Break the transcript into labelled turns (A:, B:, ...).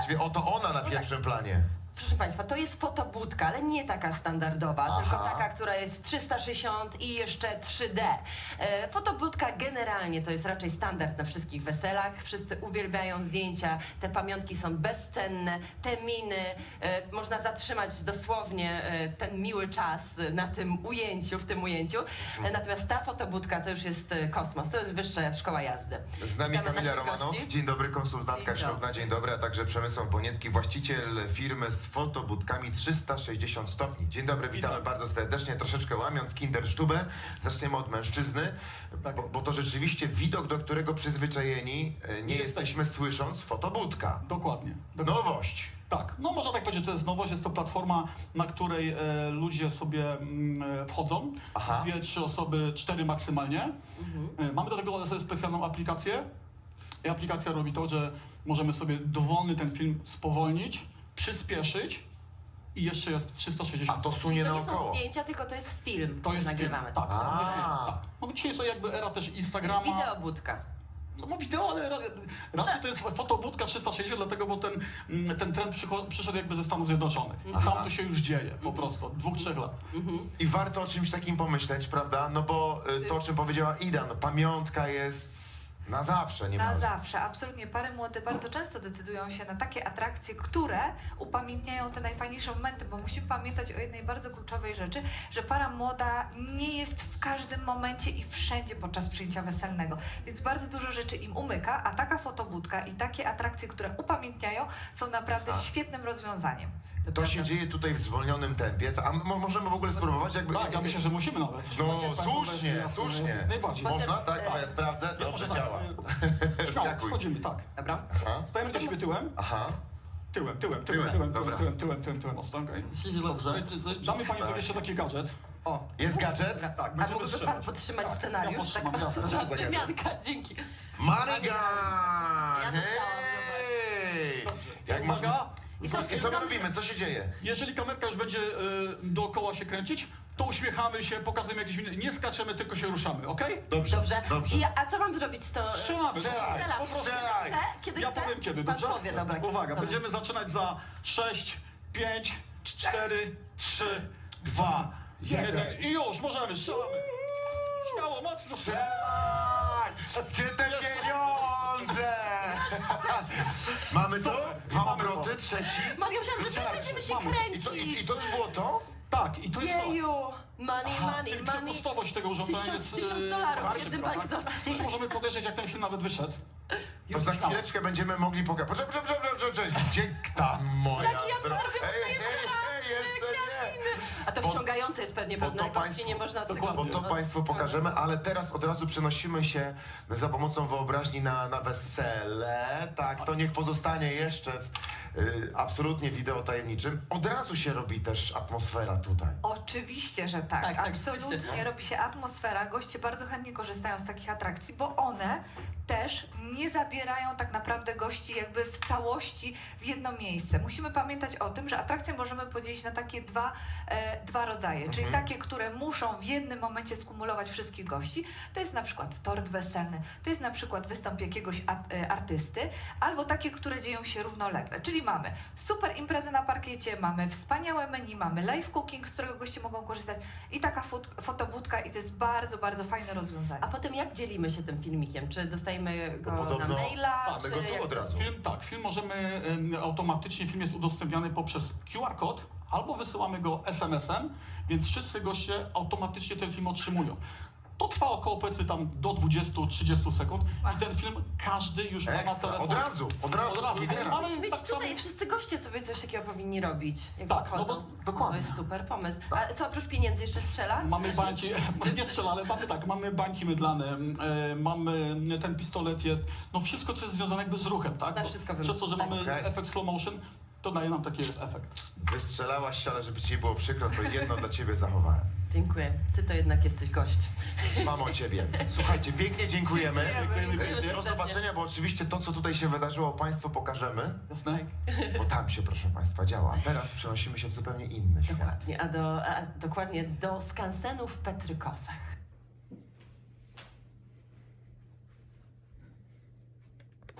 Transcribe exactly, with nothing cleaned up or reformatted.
A: właściwie oto ona na pierwszym planie.
B: Proszę Państwa, to jest fotobudka, ale nie taka standardowa,
A: Aha.
B: tylko taka, która jest trzysta sześćdziesiąt i jeszcze trzy D. E, fotobudka generalnie to jest raczej standard na wszystkich weselach. Wszyscy uwielbiają zdjęcia, te pamiątki są bezcenne, te miny, e, można zatrzymać dosłownie e, ten miły czas na tym ujęciu, w tym ujęciu. E, natomiast ta fotobudka to już jest e, kosmos, to jest wyższa szkoła jazdy.
A: Z nami
B: Witamy
A: Kamila
B: naszych
A: Romanow,
B: gości.
A: dzień dobry, konsultantka
B: Dzień
A: ślubna,
B: dobry.
A: dzień dobry, a także Przemysław Boniecki, właściciel firmy z fotobudkami trzysta sześćdziesiąt stopni. Dzień dobry, witamy bardzo serdecznie, troszeczkę łamiąc kindersztubę. Zaczniemy od mężczyzny,
C: Tak.
A: bo, bo to rzeczywiście widok, do którego przyzwyczajeni e, nie
C: Nie
A: jesteśmy słysząc fotobudka.
C: Dokładnie. dokładnie.
A: Nowość.
C: Tak, no można tak powiedzieć, że to jest nowość, jest to platforma, na której e, ludzie sobie mm, e, wchodzą,
A: Aha.
C: dwie, trzy osoby, cztery maksymalnie. E, mamy do tego sobie specjalną aplikację i aplikacja robi to, że możemy sobie dowolny ten film spowolnić, przyspieszyć i jeszcze jest trzysta
A: A
C: sześćdziesiąt.
A: to sunie
B: To nie są
A: naokoło.
B: zdjęcia, tylko to jest film,
C: To jest
B: nagrywamy.
C: film, tak,
A: A.
C: to jest film, tak. No bo dzisiaj jest to jakby era też Instagrama.
B: Wideobudka.
C: No, no wideo, ale ra, raczej to jest fotobudka trzysta sześćdziesiąt, dlatego, bo ten, mm, ten trend przycho- przyszedł jakby ze Stanów Zjednoczonych.
A: Aha.
C: Tam to się już dzieje po prostu, od dwóch, trzech lat.
A: I warto o czymś takim pomyśleć, prawda? No bo y, to, o czym powiedziała Ida, no pamiątka jest na zawsze, nie
D: Na
A: ma.
D: zawsze, absolutnie. Pary młode bardzo często decydują się na takie atrakcje, które upamiętniają te najfajniejsze momenty, bo musimy pamiętać o jednej bardzo kluczowej rzeczy, że para młoda nie jest w każdym momencie i wszędzie podczas przyjęcia weselnego, więc bardzo dużo rzeczy im umyka, a taka fotobudka i takie atrakcje, które upamiętniają, są naprawdę
A: A.
D: świetnym rozwiązaniem.
A: To
B: prawda.
A: się dzieje tutaj w zwolnionym tempie, to- a mo możemy w ogóle spróbować jakby...
C: Tak, ja myślę, że musimy nawet.
A: No
C: Jak państwo
A: słusznie,
C: weźmie, jasne,
A: słusznie.
C: Najbardziej.
A: Można? Tak?
B: Potem,
A: O, ja sprawdzę.
C: Ja
A: Dobrze
C: może tak,
A: działa.
C: e, Śmiało,
A: Skakuj.
C: wchodzimy, tak.
B: Dobra.
A: Aha,
C: Stajemy do siebie tyłem,
A: aha.
C: tyłem, tyłem, tyłem,
A: Tyłem,
C: tyłem,
A: dobra.
C: tyłem, tyłem, tyłem, tyłem, ostro, okej. Dobrze. Damy Pani
A: Tak.
C: jeszcze taki gadżet.
B: O.
A: Jest gadżet?
B: Dobra.
C: Tak,
B: A
C: będziemy
B: mógłby Pan
C: strzelać.
B: podtrzymać
C: Tak,
B: scenariusz?
C: ja podtrzymam,
B: tak,
C: jasne.
A: Co za gadżet?
B: Wymianka, dzięki.
A: Marigan!
B: Ja dostałam,
A: Hej!
C: Dobrze.
A: Jak
C: Uwaga.
A: można...
B: I
A: Co,
B: co,
A: I co my robimy? Co się dzieje?
C: Jeżeli kamerka już będzie e, dookoła się kręcić, to uśmiechamy się, pokazujemy jakieś miny. Nie skaczemy, tylko się ruszamy, okej?
A: Dobrze,
B: Dobrze.
A: dobrze.
B: I ja, a co mam zrobić z to?
C: Strzelamy.
A: Strzelaj,
B: Strzelam.
A: po prostu strzelaj.
B: Chcę? Kiedy
C: Ja
B: chcę?
C: powiem kiedy,
B: Pan
C: dobrze?
B: powie, dobra.
C: Uwaga,
B: Dobra.
C: będziemy zaczynać za sześć, pięć, cztery, trzy, dwa, jeden i już, możemy, strzelamy. Śmiało, mocno.
A: Strzelaj! Gdzie te pieniądze? Mamy to?
C: Super.
A: Dwa
C: Mamy to.
A: obroty, trzeci.
B: Maria, myślałam, że my będziemy się
C: Mamy.
A: I to,
B: kręcić.
A: i, I to już było to?
C: Tak, i to jest to.
B: Jeju, money,
C: Aha,
B: money,
C: czyli
B: money.
C: przepustowość tego urządzenia
B: Tysiąc-
C: jest...
B: tysiąc
C: e,
B: dolarów w
C: bardzo
B: jednym
C: szybka,
B: banknocie.
C: Tu już możemy podejrzeć, jak ten film nawet wyszedł.
A: To
C: Już
A: za
C: śmiało.
A: chwileczkę będziemy mogli pokazać. Poczekaj, poczekaj, poczekaj, poczekaj, poczekaj. Gdzie tam moja
B: Jaki ja
A: dro-
B: robię
A: Ej,
B: jeszcze
A: ej,
B: raz,
A: ej, jeszcze nie.
B: A to
A: Bo-
B: wciągające jest pewnie
A: bo
B: pewne,
A: to
B: gości
A: państwo-
B: nie można
C: dokładnie.
A: Bo
B: cyglu-
A: to Państwu pokażemy, ale teraz od razu przenosimy się za pomocą wyobraźni na, na wesele. Tak, to niech pozostanie jeszcze w, y, absolutnie wideo tajemniczym. Od razu się robi też atmosfera tutaj.
D: Oczywiście, że tak.
B: Tak, tak,
D: Absolutnie
B: oczywiście.
D: robi się atmosfera. Goście bardzo chętnie korzystają z takich atrakcji, bo one też nie zabierają tak naprawdę gości jakby w całości w jedno miejsce. Musimy pamiętać o tym, że atrakcje możemy podzielić na takie dwa, e, dwa rodzaje, czyli
A: Mhm.
D: takie, które muszą w jednym momencie skumulować wszystkich gości. To jest na przykład tort weselny, to jest na przykład występ jakiegoś at, e, artysty, albo takie, które dzieją się równolegle. Czyli mamy super imprezę na parkiecie, mamy wspaniałe menu, mamy live cooking, z którego goście mogą korzystać i taka fot, fotobudka i to jest bardzo, bardzo fajne rozwiązanie.
B: A potem jak dzielimy się tym filmikiem? Czy dostajemy go
A: Bo podobno
B: na maila?
A: mamy
B: czy
A: go tu
B: jak-
A: od razu.
C: Film, tak, film możemy em, automatycznie, film jest udostępniany poprzez Q R kod albo wysyłamy go S M S em, więc wszyscy goście automatycznie ten film otrzymują. To trwa około powiedzmy tam do dwudziestu do trzydziestu sekund i ten film każdy już ma na
A: Ekstra,
C: telefonie.
A: od razu, od razu.
C: Od razu.
A: Nie teraz.
C: Mamy
B: Musi być
C: tak samo-
B: tutaj, wszyscy goście sobie coś takiego powinni robić, jak
C: Tak,
B: wychodzą.
C: no bo- dokładnie.
B: To jest super pomysł. A co, oprócz pieniędzy jeszcze strzela?
C: Mamy bańki, nie strzela, ale mamy tak, mamy bańki mydlane, e, mamy, ten pistolet jest, no wszystko co jest związane jakby z ruchem, tak?
B: Na
C: Bo
B: wszystko
C: przez to, że mamy
A: Okej.
C: efekt slow motion, to daje nam taki efekt.
A: Wystrzelałaś się, ale żeby ci nie było przykro, to jedno dla ciebie zachowałem.
B: Dziękuję. Ty to jednak jesteś gość.
A: Mam o ciebie. Słuchajcie, pięknie dziękujemy.
C: Dziękujemy.
A: Do zobaczenia, bo oczywiście to, co tutaj się wydarzyło, Państwu pokażemy,
C: Jasne?
A: bo tam się, proszę Państwa, działa. A teraz przenosimy się w zupełnie inny świat.
B: Dokładnie, a, do, a dokładnie do skansenu w Petrykosach.